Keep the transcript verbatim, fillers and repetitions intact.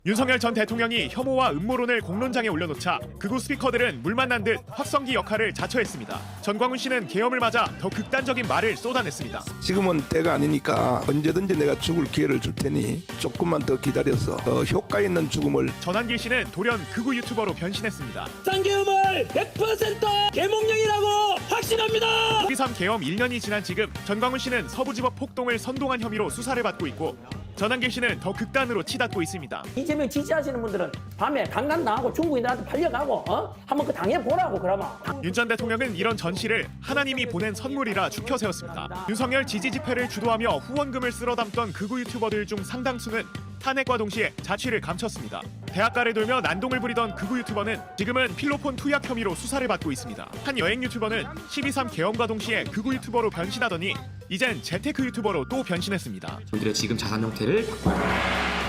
윤석열 전 대통령이 혐오와 음모론을 공론장에 올려놓자 극우 스피커들은 물 만난 듯 확성기 역할을 자처했습니다. 전광훈 씨는 계엄을 맞아 더 극단적인 말을 쏟아냈습니다. 지금은 때가 아니니까 언제든지 내가 죽을 기회를 줄 테니 조금만 더 기다려서 더 효과 있는 죽음을. 전한길 씨는 돌연 극우 유튜버로 변신했습니다. 비상계엄을 백 퍼센트 계몽령이라고 확신합니다. 십이삼 계엄 일 년이 지난 지금 전광훈 씨는 서부지법 폭동을 선동한 혐의로 수사를 받고 있고 전한길 씨는 더 극단으로 치닫고 있습니다. 이재명 지지하시는 분들은 밤에 강간당하고 중국인들한테 팔려가고 어? 한번 그 당해보라고 그러면. 윤 전 대통령은 이런 전시를 하나님이 보낸 선물이라 축혀 세웠습니다. 윤석열 지지 집회를 주도하며 후원금을 쓸어 담던 극우 유튜버들 중 상당수는 탄핵과 동시에 자취를 감췄습니다. 대학가를 돌며 난동을 부리던 극우 유튜버는 지금은 필로폰 투약 혐의로 수사를 받고 있습니다. 한 여행 유튜버는 십이삼 계엄과 동시에 극우 유튜버로 변신하더니 이젠 재테크 유튜버로 또 변신했습니다. 우리들의 지금 자산 형태를 바꿔야 합니다.